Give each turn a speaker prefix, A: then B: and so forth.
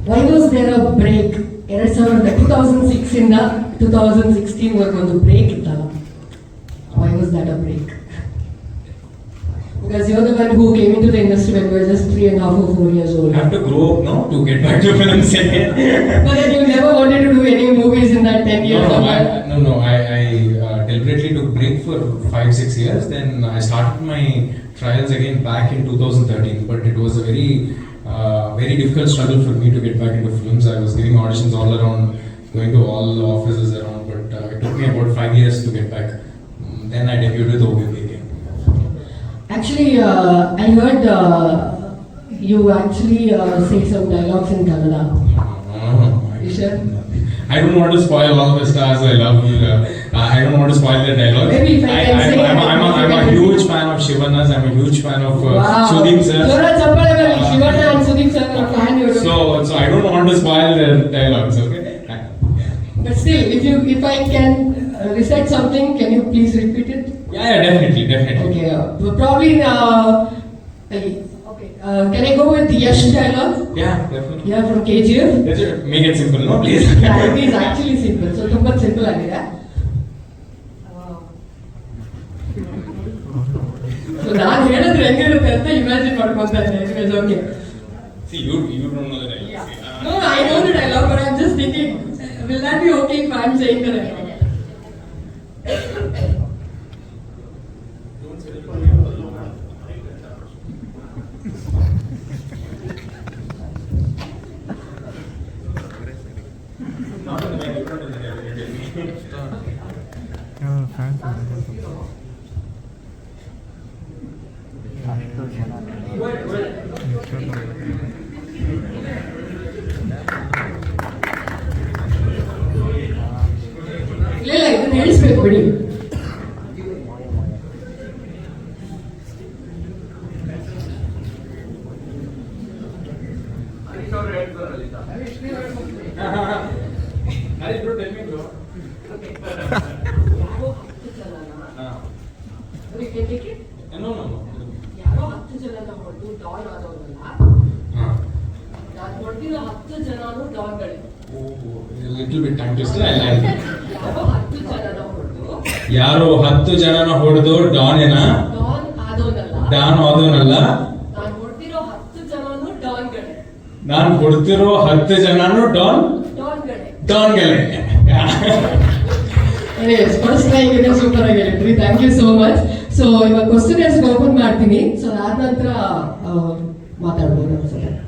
A: Why was there a break? 2006 ಇಂದ 2016 ವರೆಗೂ ಒಂದು ಬ್ರೇಕ್ ಇತ್ತಲ್ಲ. Why was that a break? Because you're the one who came into the industry when you were just 3.5 or 4 years old.
B: I have to grow up now to get back to films again.
A: But then you never wanted to do any movies in that 10 years.
B: No, I deliberately took break for 5-6 years. Then I started my trials again back in 2013. But it was a very difficult struggle for me to get back into films. I was giving auditions all around, going to all offices around. But it took me about 5 years to get back. Then I debuted with OBP again.
A: Actually, I heard you actually say some dialogues in Kannada. You sure?
B: I don't want to spoil all the stars I love. I don't want to spoil the dialogue.
A: Maybe if I can say
B: I'm a huge fan of Shivanas. I'm a huge fan of Sudeep sir.
A: Shivana and Sudeep sir are fan.
B: So I don't want to spoil the dialogues. Okay.
A: But still, if I can recite something, can you please repeat it?
B: Yeah, definitely.
A: Okay, probably. Okay, can I go with Yash dialogue?
B: Yeah, definitely.
A: Yeah, from KGF.
B: Make it simple, no, please.
A: Yeah, it is actually simple. So, ತುಂಬಾ simple ಆಗಿದೆ. So, ನಾನು ಹೇಳಿದ್ರೆ ಹೆಂಗಿರುತ್ತೆ ಅಂತ imagine ಮಾಡ್ಕೊಂತಾ ಇದ್ದೆ. Anyways, okay.
B: See, you don't know the dialogue.
A: Yeah. No, I know the dialogue, but I'm just thinking, will that be okay if I'm saying the dialogue? ಇಲ್ಲ ಇದನ್ನ ಹೇಳಿಸ್ಬೇಕು ಬಿಡಿ. ಯಾರೋ 10 ಜನನ ಹೊಡೆದು ಡಾನ್ ಆದವರಲ್ಲ, ನಾನು ಹೊಡೆದಿರೋ 10 ಜನನು ಡಾನ್ಗಳೇ.
B: Little bit time twister.
A: ಯಾರೋ 10 ಜನನ ಹೊಡೆದು
B: ಡಾನ್ ಏನ? ಡಾನ್ ಆದವನಲ್ಲ.
A: ನಾನು ಹೊಡೆದಿರೋ 10 ಜನನು ಡಾನ್ಗಳೇ.
B: ನಾನು ಹೊಡೆದಿರೋ 10 ಜನನು ಡಾನ್ಗಳೇ.
A: Anyways, first try ಇದೆ ಸೂಪರ್ ಆಗಿ ಹೇಳಿದ್ರಿ. Thank you so much. So ಇವಾಗ ಕ್ವಶನ್ ಓಪನ್ ಮಾಡ್ತೀನಿ. ಸೊ ಅದಾದ ನಂತರ ಮಾತಾಡ್ಬೋದು ಅನ್ಸುತ್ತೆ.